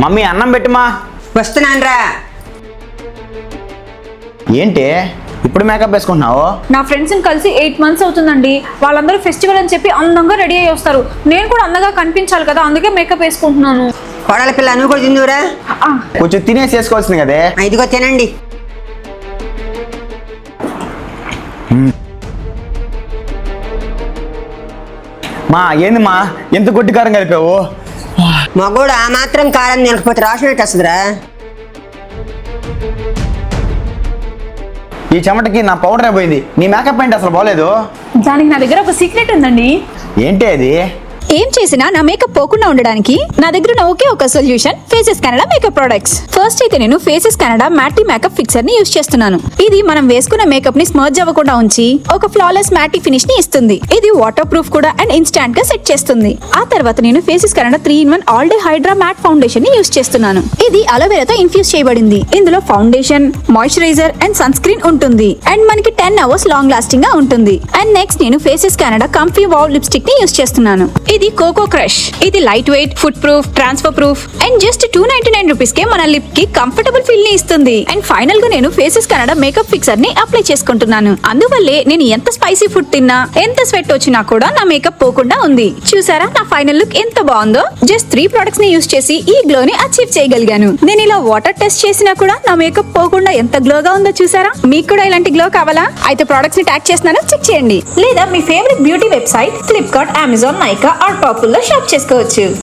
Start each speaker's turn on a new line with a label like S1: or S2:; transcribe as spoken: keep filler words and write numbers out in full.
S1: Mummy అన్నం పెట్టుమా.
S2: వస్తున్నానరా.
S1: ఏంటి ఇప్పుడు మేకప్ వేసుకుంటున్నావు?
S3: నా ఫ్రెండ్స్ని కలిసి ఎయిట్ మంత్స్ అవుతుందండి. వాళ్ళందరూ ఫెస్టివల్ అని చెప్పి అందంగా రెడీ అయ్యి వస్తారు. నేను కూడా అందంగా కనిపించాలి కదా, అందుకే మేకప్ వేసుకుంటున్నాను.
S2: కోడల పిల్ల నువ్వు కూడా తిందువురా.
S1: కొంచెం తినేసి వేసుకోవాల్సింది కదే.
S2: ఇదిగో తినండి.
S1: మా ఏంది మా ఎంత గొడ్డి కారం కలిపావు?
S2: మగోడు ఆ మాత్రం కారం తినకపోతే రాసినట్టు వస్తుందిరా.
S1: ఈ చెమటకి నా పౌడర్ అయిపోయింది. నీ మేకప్ ఏంటి అసలు బాగలేదు.
S3: దానికి నా దగ్గర ఒక సీక్రెట్ ఉందండి.
S1: ఏంటి అది?
S4: ఏం చేసినా నా మేకప్ పోకుండా ఉండడానికి నా దగ్గర ఉన్న ఒకే ఒక solution faces Canada makeup products. First అయితే నేను faces Canada matte makeup fixer ని యూస్ చేస్తున్నాను. ఇది మనం వేసుకున్న మేకప్ ని స్మర్జ్ అవ్వకుండా ఉంచి ఒక ఫ్లాలెస్ మ్యాటీ ఫినిష్ ని ఇస్తుంది. ఇది వాటర్ ప్రూఫ్ కూడా అండ్ ఇన్స్టాంట్ గా సెట్ చేస్తుంది. ఆ తర్వాత నేను faces Canada three in one all day hydra matte foundation ని యూస్ చేస్తున్నాను. ఇది అలోవెరాతో ఇన్ఫ్యూజ్ చేయబడింది. ఇందులో foundation, moisturiser and sunscreen ఉంటుంది అండ్ మనకి టెన్ అవర్స్ లాంగ్ లాస్టింగ్ గా ఉంటుంది. అండ్ నెక్స్ట్ నేను faces Canada comfy wow lipstick ని యూస్ చేస్తున్నాను. ఇది కోకో క్రష్. ఇది lightweight, food proof, transfer proof and just two ninety nine rupees కే మన లిప్ కి కంఫర్టబుల్ ఫీల్ ని ఇస్తుంది. అండ్ ఫైనల్ గా నేను ఫేసెస్ కెనడా మేకప్ ఫిక్సర్ ని అప్లై చేసుకుంటున్నాను. అందువల్లే నేను ఎంత స్పైసీ ఫుడ్ తిన్నా, ఎంత స్వెట్ వచ్చినా కూడా నా మేకప్ పోకుండా ఉంది. చూసారా నా ఫైనల్ లుక్ ఎంత బాగుందో? జస్ట్ త్రీ ప్రొడక్ట్స్ ని యూస్ చేసి ఈ గ్లో ని అచీవ్ చేయగలిగాను. నేను ఇలా వాటర్ టెస్ట్ చేసినా కూడా నా మేకప్ పోకుండా ఎంత గ్లోగా ఉందో చూసారా? మీకు కూడా ఇలాంటి గ్లో కావాలా? అయితే ప్రొడక్ట్స్ ని ట్యాగ్ చేస్తున్నాను, చెక్ చేయండి. లేదా మీ favourite beauty website Flipkart, Amazon, Nykaa or Purple లో షాప్ చేసుకోవచ్చు.